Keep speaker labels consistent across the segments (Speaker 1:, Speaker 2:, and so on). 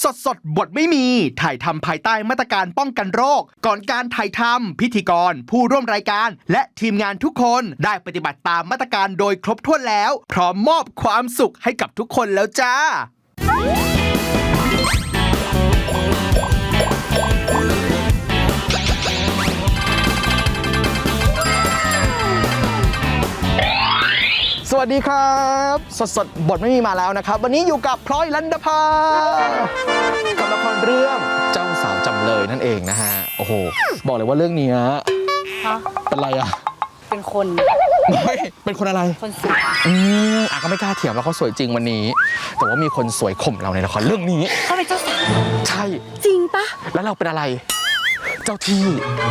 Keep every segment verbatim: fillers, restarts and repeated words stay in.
Speaker 1: สดสดบทไม่มีถ่ายทำภายใต้มาตรการป้องกันโรคก่อนการถ่ายทำพิธีกรผู้ร่วมรายการและทีมงานทุกคนได้ปฏิบัติตามมาตรการโดยครบถ้วนแล้วพร้อมมอบความสุขให้กับทุกคนแล้วจ้าสวัสดีครับสดสดบทไม่มีมาแล้วนะครับวันนี้อยู่กับพลอยลันดาภากับละครเรื่องเจ้าสาวจำเลยนั่นเองนะฮะโอ้โหบอกเลยว่าเรื่องนี้นะเป็นไรอะ
Speaker 2: เป็นคน
Speaker 1: ไม่เป็นคนอะไร
Speaker 2: คนสวย
Speaker 1: อืมอ่ะก็ไม่กล้าเถียงว่าเขาสวยจริงวันนี้แต่ว่ามีคนสวยข่มเราในละครเรื่องนี้
Speaker 2: เขาเป็นเจ้าสาว
Speaker 1: ใช่
Speaker 2: จริงปะ
Speaker 1: แล้วเราเป็นอะไรเจ้าที่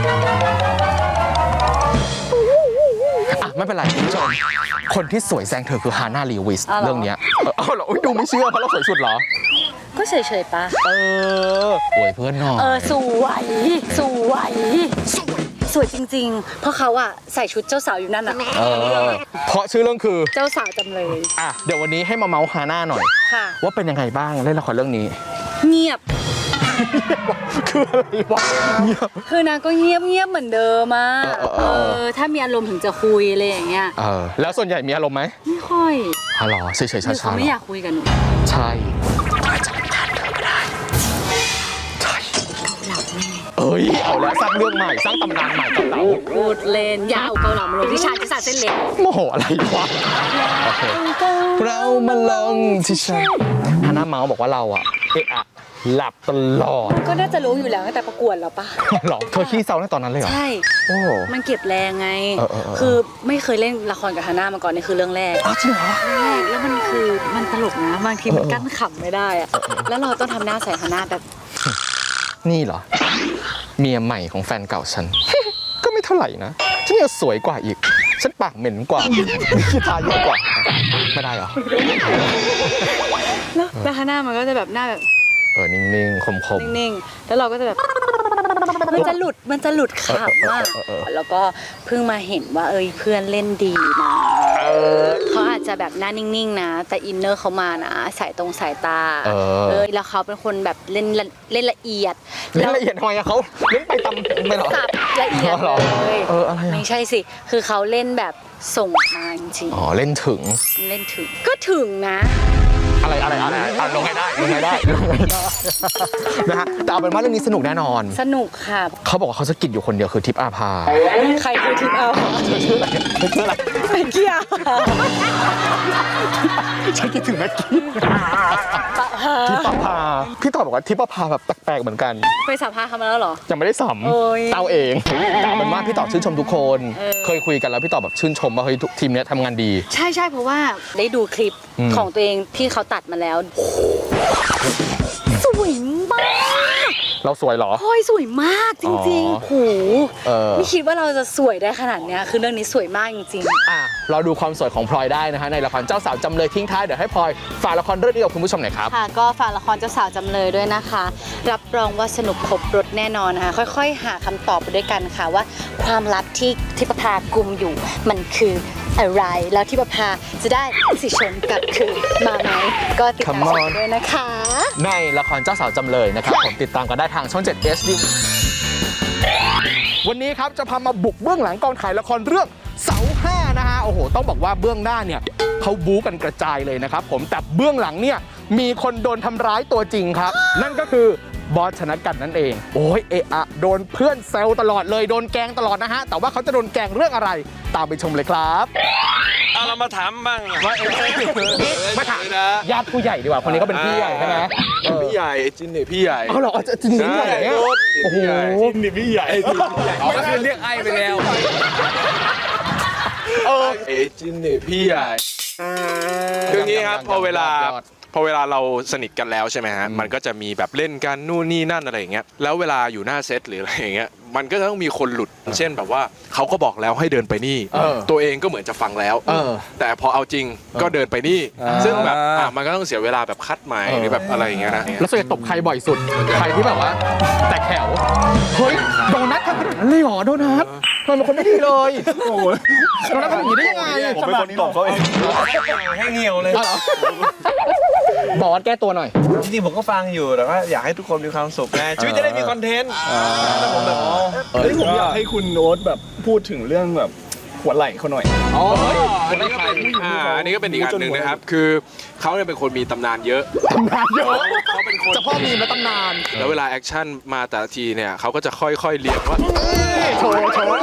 Speaker 1: อ่ะไม่เป็นไรคุณผู้ชมคนที่สวยแซงเธอคือฮาน่าลีวิสเรื่องนี้เออเหรอดูไม่เชื่อเพราะเราสวยสุดเหรอ
Speaker 2: ก็เฉยๆปะ
Speaker 1: เออโวยเพื่อนหน่อย
Speaker 2: เออสวยสวยสวยจริงๆเพราะเขาอะใส่ชุดเจ้าสาวอยู่นั่นอะ
Speaker 1: เออเพราะชื่อเรื่องคือ
Speaker 2: เจ้าสาวจำเลย
Speaker 1: อ่ะเดี๋ยววันนี้ให้มาเมาส์ฮาน่าหน่อยว่าเป็นยังไงบ้างเล่นละครเรื่องนี้
Speaker 2: เงียบ
Speaker 1: คืออะไรวะเงียบ
Speaker 2: คือนางก็เงียบเงียบเหมือนเดิมอะเออถ้ามีอารมณ์ถึงจะคุยอะไรอย่างเงี้ย
Speaker 1: เออแล้วส่วนใหญ่มีอารมณ์ไหม
Speaker 2: ไม่ค่อย
Speaker 1: อ๋อเหรอเฉยๆช้าๆ
Speaker 2: เขาไม่อยากคุยกันหนู
Speaker 1: ใช่อาจจะผ่านเธอก็ได้ใช่
Speaker 2: หลับแน่
Speaker 1: เอ้ยเอาแล้วสร้างเรื่องใหม่สร้างตำนานใหม่กับเรา
Speaker 2: พูดเล่นยาวเกาเหลามาลงที่ชาที่สาเส้นเล็ก
Speaker 1: โมโหอะไรวะโอเคเรามาลงที่ชาฮาน่าเมาส์บอกว่าเราอะเอะอะหลับตลอด
Speaker 2: ก็น่าจะรู้อยู่แล้วตั้งแต่ประกวดแล้วปะ
Speaker 1: หรอเธอขี้เศร้าในตอนนั้นเลยเหรอ
Speaker 2: ใช่
Speaker 1: โอ้
Speaker 2: มันเก็บแรงไงคือไม่เคยเล่นละครกับฮาน่ามาก่อนนี่คือเรื่องแรก
Speaker 1: อ๋อจริงเหรอ
Speaker 2: แล้วมันคือมันตลกนะบางทีมันกั้นขำไม่ได้อะแล้วเราต้องทำหน้าใส่ฮาน่าแบบ
Speaker 1: นี่เหรอเมียใหม่ของแฟนเก่าฉันก็ไม่เท่าไหร่นะฉันยังสวยกว่าอีกฉันปากเหม็นกว่าขี้ตาเยอะกว่าไม่ได้เหรอ
Speaker 2: แล้วฮาน่ามันก็จะแบบหน้าแบบ
Speaker 1: เออนิ่งๆคม
Speaker 2: ๆนิ่งๆแล้วเราก็จะแบบมันจะหลุดมันจะหลุดขำมากแล้วก็เพิ่งมาเห็นว่าเอ้ยเพื่อนเล่นดีนะเขาอาจจะแบบหน้านิ่งๆนะแต่อินเนอร์เขามานะสายตรงสายตาเออแล้วเขาเป็นคนแบบเล่นเล่นละเอียด
Speaker 1: เล่นละเอียดทำไมอะเขาเล่นไปตำไม่หรอ
Speaker 2: สับละเอียดเลย
Speaker 1: เอออะไร
Speaker 2: ไม่ใช่สิคือเขาเล่นแบบส่งมาจริง
Speaker 1: อ๋อเล่นถึง
Speaker 2: เล่นถึงก็ถึงนะ
Speaker 1: อะไรอะไรอะไรลงให้ได้ลงให้ได้ลงให้ได้นะฮะแต่เอาเป็นว่าเรื่องนี้สนุกแน่นอน
Speaker 2: สนุกค่ะ
Speaker 1: เขาบอกว่าเขาจะกินอยู่คนเดียวคือทิพย์อาภา
Speaker 2: ใครคือทิพย์อาภา
Speaker 1: ชื่ออะไรชื่ออะไร
Speaker 2: แม็กกี้อา
Speaker 1: ฉันคิดถึงแม็กกี้ทิพย์อาภาพี่ต่อบอกว่าทิพย์อาภาแบบแปลกๆเหมือนกัน
Speaker 2: ไปสัมภาษณ์เขามาแล้วเหรอ
Speaker 1: ยังไม่ได้สัมเต้าเองแต่เอาเป็นว่าพี่ต่อชื่นชมทุกคนเคยคุยกันแล้วพี่ต่อแบบชื่นชมว่าเฮ้ยทีมนี้ทำงานดี
Speaker 2: ใช่ใช่เพราะว่าได้ดูคลิปของตัวเองที่เขาตัดมาแล้วสวยมาก
Speaker 1: เราสวยเหรอ
Speaker 2: พลอยสวยมากจริงๆโหไม่คิดว่าเราจะสวยได้ขนาดนี้คือเรื่องนี้สวยมากจริง
Speaker 1: ๆอ่ะเราดูความสวยของพลอยได้นะฮะในละครเจ้าสาวจำเลยทิ้งท้ายเดี๋ยวให้พลอยฝากละครเรื่องนี้กับคุณผู้ชมหน่อยครับ
Speaker 2: ค่ะก็ฝากละครเจ้าสาวจำเลยด้วยนะคะรับรองว่าสนุกครบรสแน่นอนนะคะค่อยๆหาคำตอบไปด้วยกันค่ะว่าความลับที่ทิพย์ภากุมอยู่มันคืออะไรแล้วทิพย์ภาจะได้สิชนกับคือมาไหมก็ติดตามด้วยนะคะ
Speaker 1: ในละครเจ้าสาวจำเลยนะครับผมติดตามกันได้ทางช่องเจ็ด เอช ดี วันนี้ครับจะพามาบุกเบื้องหลังกองถ่ายละครเรื่องเสาห้านะฮะโอ้โหต้องบอกว่าเบื้องหน้าเนี่ยเขาบู๊กันกระจายเลยนะครับผมแต่เบื้องหลังเนี่ยมีคนโดนทำร้ายตัวจริงครับนั่นก็คือบอสชนะกันนั่นเองโอ้ยเอะอะโดนเพื่อนแซวตลอดเลยโดนแกล้งตลอดนะฮะแต่ว่าเขาจะโดนแกล้งเรื่องอะไรตามไปชมเลยครับ
Speaker 3: เอาเรามาถามบ้าง
Speaker 1: ว่าเอ๊ะมาถามญาติผู้ใหญ่ดีกว่าคนนี้ก็เป็นพี่ใหญ่ใช่ไหม
Speaker 3: พี่ใหญ่จินนี่พี่ใหญ่
Speaker 1: เอาเหรอจินนี่พี่ใหญ่เนี่ยโอ้โห
Speaker 3: จินนี่พี่ใหญ่
Speaker 1: อ๋อก็คือเรียกไอ้ไปแล้ว
Speaker 3: เออจินนี่พี่ใหญ่คืออย่างนี้ครับพอเวลาพอเวลาเราสนิทกันแล้วใช่ไหมฮะมันก็จะมีแบบเล่นกันนู่นนี่นั่นอะไรอย่างเงี้ยแล้วเวลาอยู่หน้าเซตหรืออะไรอย่างเงี้ยมันก็ต้องมีคนหลุดเช่นแบบว่าเขาก็บอกแล้วให้เดินไปนี่ตัวเองก็เหมือนจะฟังแล้วแต่พอเอาจริงก็เดินไปนี่ซึ่งแบบมันก็ต้องเสียเวลาแบบคัดใหม่หรือแบบอะไรอย่างเงี้ยนะ
Speaker 1: แล้วส่วนใหญ่ตบใครบ่อยสุดใครที่แบบว่าแตกแถวเฮ้ยโดนัททำขนาดนั้นเลยเหรอโดนัททำเป็นคนไม่ดีเลยโอ้ยโดนัททำอย่างนี้ได้ยังไง
Speaker 3: ผมเป็นคนตบเขาเองให้เงียวเลย
Speaker 1: บอสแก้ตัวหน่อย
Speaker 4: จริงๆผมก็ฟังอยู่แต่ว่าอยากให้ทุกคนมีความสุขไงชีวิตจะได้มีคอนเทนต์แต่ผมแบบเฮ้ยผมอยากให้คุณโน้ตแบบพูดถึงเรื่องแบบหัวไหล่เขาหน่อย
Speaker 3: อ๋ออันนี้ก็เป็นอ่าอันนี้ก็เป็นอีกอันหนึ่งนะครับ คือเขาเนี่ยเป็นคนมีตำนานเยอะ
Speaker 1: ตำนานเยอะ
Speaker 3: เขาเป็นคน
Speaker 1: เจะพ่อมีและตำนาน
Speaker 3: แล้วเวลาแอคชั่นมาแต่ละทีเนี่ยเขาก็จะค่อยๆเรียงว่า
Speaker 1: โชว์โชว์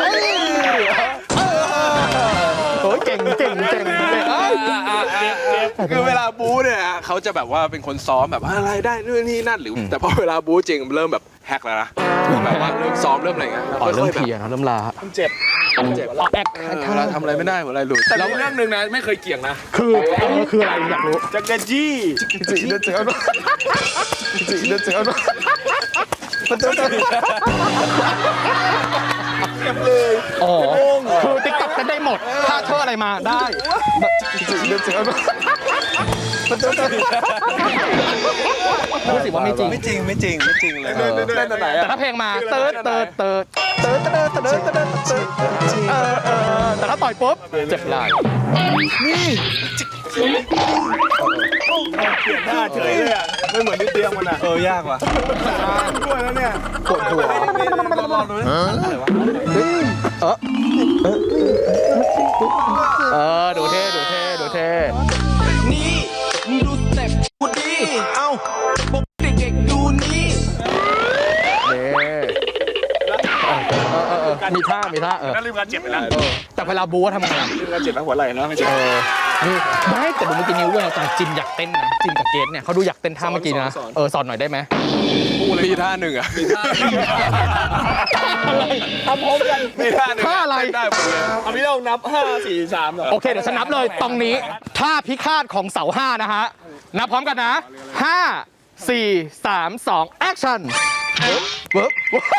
Speaker 1: โอ้ยเก่งเก่งเก่งเก่งเอ้ย
Speaker 3: คือเวลาบู๊เนี่ยเขาจะแบบว่าเป็นคนซ้อมแบบอะไรได้นู่นนี่นั่นหรือแต่พอเวลาบู๊จริงเริ่มแบบแฮกแล้วนะแบบว่าเริ่มซ้อมเริ่มอะไรเงี้ย
Speaker 1: อ๋อเริ่ม
Speaker 3: ค่อยๆ
Speaker 1: เพลียนะเริ่มลา
Speaker 4: เจ็บ
Speaker 3: เจ็บ
Speaker 1: อ๋อแอค
Speaker 3: เออเวลาทำอะไรไม่ได้หัวอะไรหลุดแต่เรื่องหนึ่งนะไม่เคยเกี่ยงนะ
Speaker 1: คือเออคืออะไรอยากรู้
Speaker 4: จักรจี้
Speaker 1: จีเดือดเจือดจีเดือดเจือดมันจะอ๋อคือติ๊กต็อกกันได้หมดถ้าเธออะไรมาได้จีเดือดเจือดมันจะรู้สึกว่าไม่จริง
Speaker 4: ไม่จริงไม่จริงไม่จริงเลย
Speaker 3: เล่นตัวไหน
Speaker 1: แต่
Speaker 3: อะ
Speaker 1: ถ้าเพลงมาเติร์ดเติร์ดเติร์ดเติร์ดเติร์ดเติร์ดเติร์ดเติร์ดเติร์ดเออเออแต่ถ้าต่อยปุ๊บเจ็บไหล่
Speaker 4: เปลี่ยนหน้าเฉยเลยอ่ะไม่เหมือนที่เตรียมมันอ่ะเออยากว่ะด้วยแล้วเนี่ย
Speaker 1: ปวดหัว
Speaker 4: ลองดูนะอะไรวะ
Speaker 1: เออเออดูเท่ดูเท่ดูเท่
Speaker 5: นี่มึงดูสเต็ปกูดี เอ้าพวกเด็กๆดูนี่
Speaker 1: เด้มีท่ามีท่าเออ
Speaker 4: น่าลืมการเจ็บไปแล้ว
Speaker 1: แต่เวลาบู๊ทำไง
Speaker 4: ลืมการเจ็บแล้วหัวไหล่นะไม่เจ็บ
Speaker 1: เออนี่ไม่แต่ดูเมื่อกี้นิ้วเว้ยแต่จินอยากเต้นนะจินกับเกดเนี่ยเขาดูอยากเต้นท่าเมื่อกี้นะเออสอนหน่อยได้ไหม
Speaker 3: มีท่าหนึ่งอะ
Speaker 4: ทำพร้อมกัน
Speaker 3: มีท่าหนึ่ง
Speaker 1: ท่าอะไร
Speaker 3: ได้หมดเลย
Speaker 4: เอาพี่เรานับห้าสี่สามเหรอ
Speaker 1: โอเคเดี๋ยวฉันนับเลยตรงนี้ท่าพิฆาตของเสาห้านะฮะนับพร้อมกันนะห้าสี่สามสองแอคชั่นเวิร์บ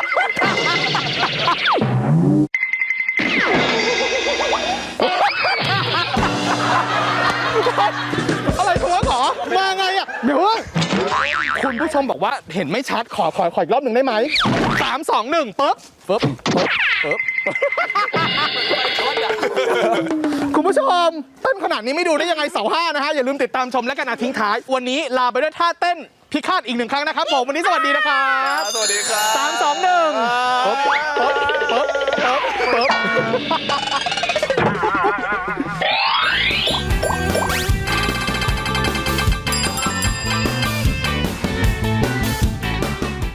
Speaker 1: อะไรทัวร์ขอมาไงอ่ะเดี๋ยวคุณผู้ชมบอกว่าเห็นไม่ชัดขอขอขออีกรอบหนึ่งได้ไหมสามสองหนึ่งปึ๊บปึ๊บปึ๊บปึ๊บคุณผู้ชมเต้นขนาดนี้ไม่ดูได้ยังไงเสาห้านะฮะอย่าลืมติดตามชมและกันนะทิ้งท้าย วันนี้ลาไปด้วยท่าเต้นพิฆาตอีกหนึ่งครั้งนะครับผมวันนี้สวัสดีนะครับ
Speaker 4: สวัสดีครับ
Speaker 1: สามสองหนึ่งปึ๊บปึ๊บปึ๊บ